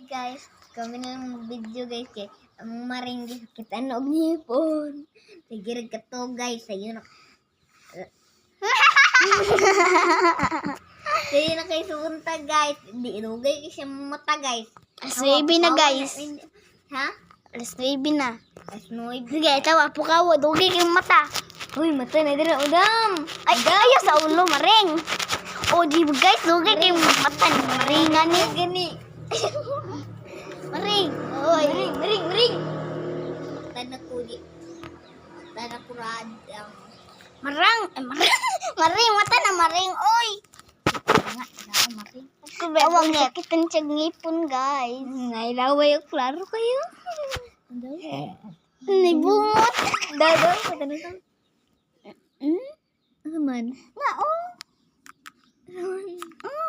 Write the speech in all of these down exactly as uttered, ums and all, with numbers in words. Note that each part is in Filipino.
guys, kami na lang video guys kay ang maring kita nog nipon. Sige ka to guys, sayo na. Sayo na kay sunta guys. Di ilugay siya mata guys. Aswibi na guys. Ha? Aswibi na. Asnoy. Sige, tawa po ka. Dugay kayong mata. Uy, mata na dira udam. Ay, ayaw sa ulo, maring. O, di ba guys, dugay kayong mata ni maringan ni. Gani. Maring. Oy, maring, maring, maring. Tanda ko di. Tanda ko rad. Um, Marang. Eh, marang. Maring, mata na maring. Oy. nga, nga, maring. Awang sakit ang tiyag ngipon, guys. Nailaway yung klaro kayo. Nibungot. Dado, pata na to. Hmm? Ano man? Nga, oh. Mm.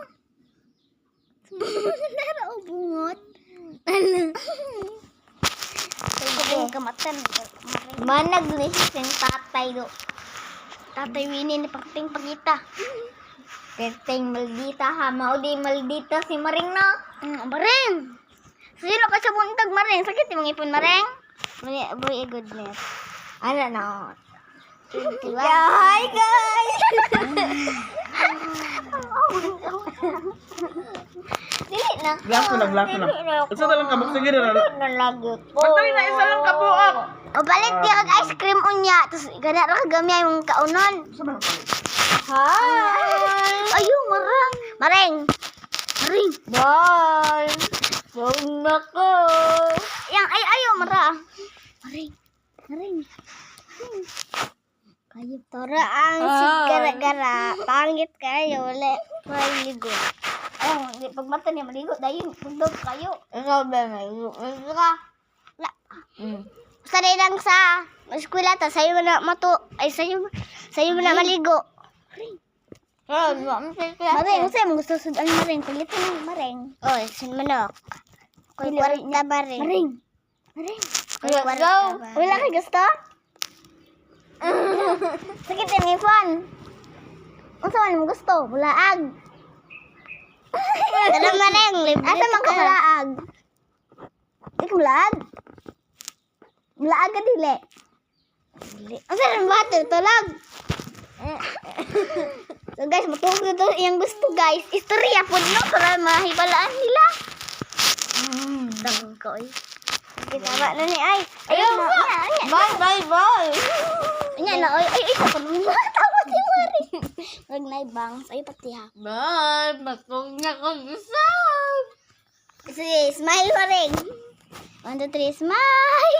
Nara, oh, bungot. Ala. Pagkabing kamatan. Manag ni sing tatay do. Tatay Winnie ni Pagting Pagita. Keteng maldita ha, mao di maldita si Maring na. Mm, maring. Sino ka sa buntag, maring? Sakit yung ipon, maring? Boy, boy, goodness. Ano na? Diba? Yeah, hi guys. Dili na. Glass lang, glass lang. Isa na lang kabuk sige na. Nalagot po. Pagdali na isa lang kabuok. O balik di kag ice cream unya. Tapos gana ra kagamay yung kaunon. Hi. Ayun, marang. Maring. Maring. Bye. Huwag na ko. Yang ay ayo mara. Maring. Maring. Kayo tora ang Ah. sigara-gara. Pangit kayo ulit. Maligo. Oh, di pag mata niya maligo dayon bundog kayo. Ikaw ba may ikaw ka? La. Mm. Basta rin lang sa eskwela ta sayo na mato. Ay sayo sayo na maligo. Oh, mo say ka. Maring, kasi mo gusto sudan maring. Kulitin ng maring. Oh, sin manok. Koy kwarta maring. Maring. Maring. Koy Let's kwarta go. ba? Wala kay gusto? Sakit yung ipon. Unsa man mo gusto? Bulaag. Tara maring, libre. Asa man ka bulaag? Ikaw bulaag? Bulaag ka dili. Dili. Asa man ba tulog? So guys, matulog na to yung gusto guys. Istorya po no para mahibalaan nila. Mm, dang ko eh. Sige, tama na ni ay. Ayun na. Bye, bye, bye. Anya na, ay, ay, ay, sa panunod. Tawa si Mari. Wag na ibang, ay pati ha. Bye, matulog na ko gusto. Sige, smile pa rin. One, two, three, smile.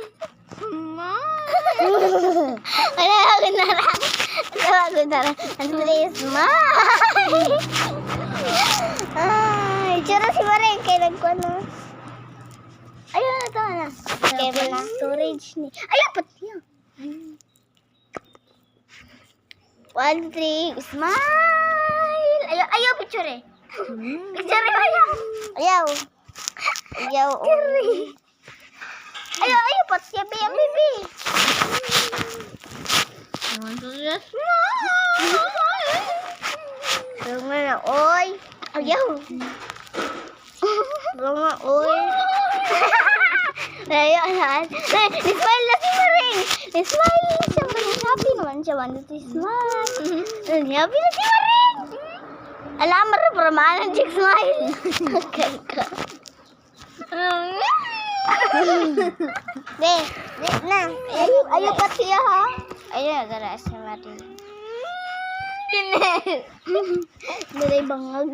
Wala ako na lang. Wala ako na lang. One, two, three, smile. Ay, tsura si Mari. Kaya nagkwano. Ayun na ito na. Okay, wala. Storage ni. Ayun, pati yan. One, two, three, smile. Ayaw, ayaw, picture eh. Picture eh, ayaw. Ayaw. Ayaw, oh. Ayaw, ayaw, pati yan, baby, baby. Bunga na, oy. Ayaw. Bunga, oy. Ayaw, ayaw. Smile na si Maring. Smile na siya. Happy naman siya. One, two, three, smile. Happy na si Maring. Alam mo rin, para maanan siya smile. Okay ka. Be, be na. Ayaw, ayaw pa siya ha. Ayaw, gara si Maring. Pinel. Dalay bangag.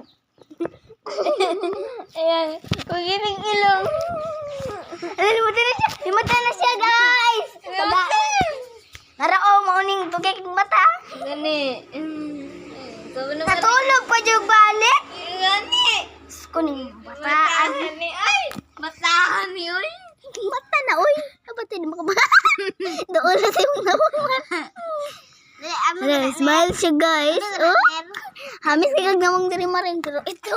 Ayan, kugiling ilong. Ay, limatan na siya. Limatan na siya, guys. Taga. Narao, mauning tugay kong mata. Gani. Natulog pa yung balik. Gani. Kuning bataan. Gani. Ay, bataan yun. Mata na, uy. Kapatid mo ka ba? Doon na sa'yo naman. Smile siya, guys. Oh. Hamis kagag namang diri Maring. Pero ito.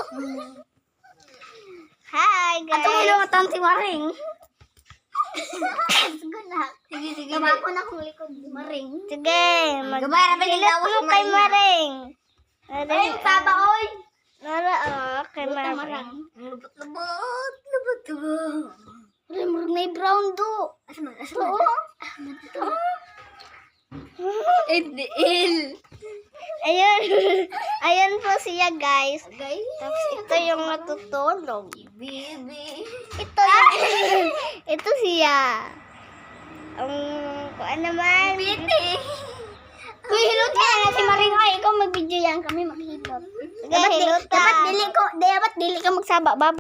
Hi, guys. Ato mo lang si Maring. Sige na. Sige, sige. Gabako na akong likod ni Maring. Sige. Gabay, rabay Ilot mo kay Maring. Ay, taba, oy. Nara, oh, kay Maring. Lubot-lubot. ka ba? Wala, murag may brown do. Asa man? Asa Oo. man? Idil. Ayun. Ayun po siya, guys. Guys. Tapos ito yung natutulog. Baby. Ito yung... ito siya. Ang... kuan naman. Piti. Uy, hilot ka na si Maring. Ay, ikaw mag-video yan. Kami maghilot. Dapat, di, hilot dapat dili ko, dapat dili ka magsaba. Bab